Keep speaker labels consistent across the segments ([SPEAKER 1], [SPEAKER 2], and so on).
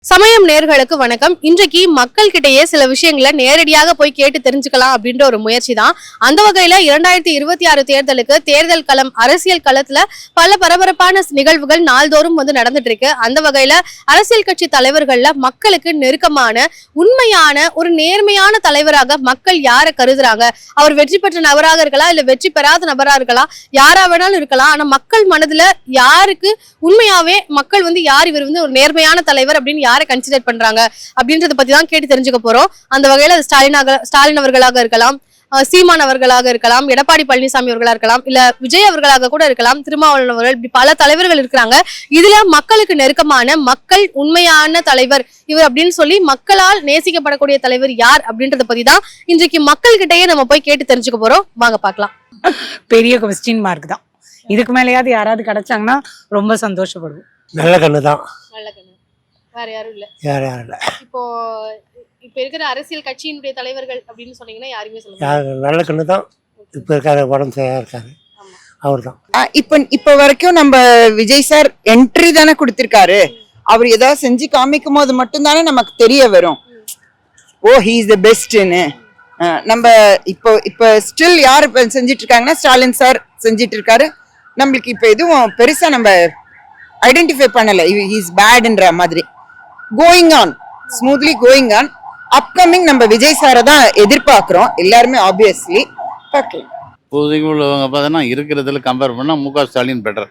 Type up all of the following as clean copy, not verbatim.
[SPEAKER 1] சமயம் நேர்களுக்கு வணக்கம். இன்றைக்கு மக்கள் கிட்டயே சில விஷயங்களை நேரடியாக போய் கேட்டு தெரிஞ்சுக்கலாம் அப்படின்ற ஒரு முயற்சி தான். அந்த வகையில 2026 தேர்தலுக்கு தேர்தல் களம் அரசியல் களத்துல பல பரபரப்பான நிகழ்வுகள் நாள்தோறும் நடந்துட்டு இருக்கு. அந்த வகையில அரசியல் கட்சி தலைவர்கள்ல மக்களுக்கு நெருக்கமான உண்மையான ஒரு நேர்மையான தலைவராக மக்கள் யாரை கருதுறாங்க? அவர் வெற்றி பெற்ற நபராக இருக்கலாம், இல்ல வெற்றி பெறாத நபராக இருக்கலாம், யாரா வேணாலும் இருக்கலாம். ஆனா மக்கள் மனதுல யாருக்கு உண்மையாவே மக்கள் யார் இவர் ஒரு நேர்மையான தலைவர் அப்படின்னு யாரை கன்சிடர் பண்றாங்க அப்படின்றத பத்தி தான் கேட்டு தெரிஞ்சுக்க போறோம். அந்த வகையில ஸ்டாலின் அவர்களாக இருக்கலாம், சீமான் அவர்களாக இருக்கலாம், எடப்பாடி பழனிசாமி அவர்களா இருக்கலாம், இல்ல விஜய் அவர்களாக கூட இருக்கலாம், திருமாவளவன் அவர்கள், இப்படி பல தலைவர்கள் இருக்கிறாங்க. இதுல மக்களுக்கு நெருக்கமான மக்கள் உண்மையான தலைவர் இவர் அப்படின்னு சொல்லி மக்களால் நேசிக்கப்படக்கூடிய தலைவர் யார் அப்படின்றத பத்தி தான் இன்றைக்கு மக்கள் கிட்டயே நம்ம போய் கேட்டு தெரிஞ்சுக்க போறோம். வாங்க பார்க்கலாம்.
[SPEAKER 2] பெரிய கொஸ்டின் மார்க் தான். இதுக்கு மேலேயாவது யாராவது கிடைச்சாங்கன்னா ரொம்ப சந்தோஷப்படுவோம்.
[SPEAKER 3] நல்ல கண்ணு தான்.
[SPEAKER 1] நல்ல கண்ணு. வேற யாரும் இல்ல.
[SPEAKER 3] யாரும் இல்ல.
[SPEAKER 1] இப்ப இருக்கிற அரசியல் கட்சியினுடைய தலைவர்கள் அப்படின்னு சொன்னீங்கன்னா யாருமே சொல்லுங்க.
[SPEAKER 3] நல்ல கண்ணு தான். இப்ப இருக்காரு, உடம்பு சரியா இருக்காரு, அவர் தான்.
[SPEAKER 4] இப்ப வரைக்கும் நம்ம விஜய் சார் என்ட்ரி தானே கொடுத்திருக்காரு. அவர் ஏதாவது செஞ்சு காமிக்கும் போது மட்டும் தானே நமக்கு தெரிய வரும், ஓ ஹி இஸ் த பெஸ்ட்னு. நம்ம இப்போ ஸ்டில் யார் செஞ்சிட்டு இருக்காங்கன்னா ஸ்டாலின் சார் செஞ்சிட்டு இருக்காரு. நம்மளுக்கு இப்ப எதுவும் பெருசா நம்ம ஐடென்டிஃபை பண்ணல ஹி இஸ் பேட்ன்ற மாதிரி. Going on smoothly going on. Upcoming நம்ம விஜய் சாரை தான் எதிர்பார்க்கிறோம் எல்லாருமே. ஆப்வியஸ்லி பார்க்கலாம்.
[SPEAKER 5] இப்போதைக்கு உள்ளவங்க பார்த்தீங்கன்னா இருக்கிறதுல கம்பேர் பண்ணால் முக ஸ்டாலின் பெட்டர்.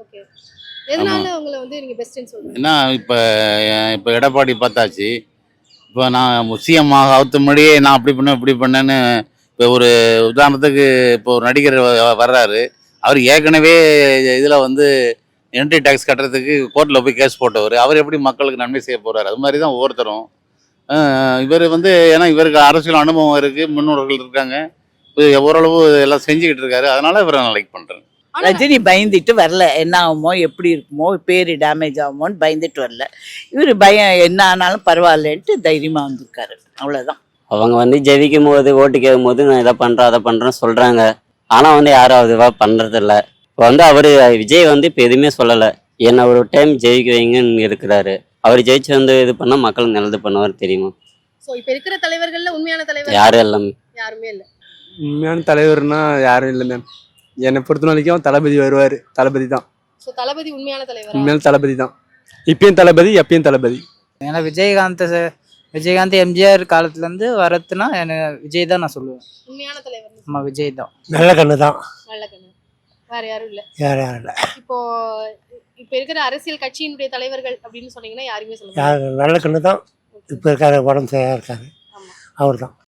[SPEAKER 5] ஏன்னா இப்போ எடப்பாடி பார்த்தாச்சு. இப்போ நான் சிஎம் ஆகுறதுக்கு முன்னாடியே நான் அப்படி பண்ணேன் இப்படி பண்ணேன்னு இப்போ ஒரு உதாரணத்துக்கு இப்போ ஒரு நடிகர் வர்றாரு. அவர் ஏற்கனவே இதில் என்ட்ரி டேக்ஸ் கட்டுறதுக்கு கோர்ட்டில் போய் கேஸ் போட்டவர். அவர் எப்படி மக்களுக்கு நன்மை செய்ய போகிறார்? அது மாதிரி தான் ஒவ்வொருத்தரும். இவர் ஏன்னா இவருக்கு அரசியல் அனுபவம் இருக்குது, முன்னோர்கள் இருக்காங்க, ஓரளவு எல்லாம் செஞ்சுக்கிட்டு இருக்காரு. அதனால இவரை நான் லைக் பண்ணுறேன்.
[SPEAKER 6] ரஜினி பயந்துட்டு வரல, என்ன ஆகுமோ எப்படி இருக்குமோ பேர் டேமேஜ் ஆகுமோன்னு பயந்துட்டு வரல. இவர் பயம் என்ன ஆனாலும் பரவாயில்லன்ட்டு தைரியமாக வந்திருக்காரு, அவ்வளோதான்.
[SPEAKER 7] அவங்க ஜெயிக்கும் போது ஓட்டு கேட்கும் போது நான் இதை பண்ணுறேன் அதை பண்ணுறேன்னு சொல்கிறாங்க. ஆனால் யாரும் அதுவாக பண்ணுறதில்ல. இப்போ அவர் விஜய் இப்போ எதுவுமே சொல்லலை, என்னை ஒரு டைம் ஜெயிக்க வைங்கன்னு இருக்கிறாரு. அவர் ஜெயிச்சு இது பண்ணால் மக்களுக்கு நல்லது பண்ணுவார் தெரியுமா?
[SPEAKER 1] இப்போ இருக்கிற தலைவர்கள்ல உண்மையான தலைவர்
[SPEAKER 7] யாரும் எல்லாமே
[SPEAKER 1] யாருமே இல்லை.
[SPEAKER 8] உண்மையான தலைவர்னா யாரும் இல்லை மேம். என்னை பொறுத்த வரைக்கும் தளபதி வருவார். தளபதி தான்.
[SPEAKER 1] தளபதி உண்மையான தலைவர்.
[SPEAKER 8] உண்மையான தளபதி தான். இப்பயும் தளபதி, எப்பயும் தளபதி.
[SPEAKER 2] ஏன்னா விஜயகாந்த் எம்ஜிஆர் காலத்துலேருந்து வரத்துனா எனக்கு விஜய் தான் நான் சொல்லுவேன்.
[SPEAKER 1] உண்மையான தலைவர்
[SPEAKER 2] நம்ம விஜய் தான்.
[SPEAKER 3] நல்ல கண்ணு தான்.
[SPEAKER 1] நல்ல கண்ணு. வேற யாரும் இல்ல.
[SPEAKER 3] யாரும் இல்ல.
[SPEAKER 1] இப்போ இருக்கிற அரசியல் கட்சியினுடைய தலைவர்கள் அப்படின்னு சொன்னீங்கன்னா யாருமே சொல்லுங்க.
[SPEAKER 3] நல்ல கண்ணு தான். இப்ப இருக்காரு, உடம்பு சரியா இருக்காரு, அவர் தான்.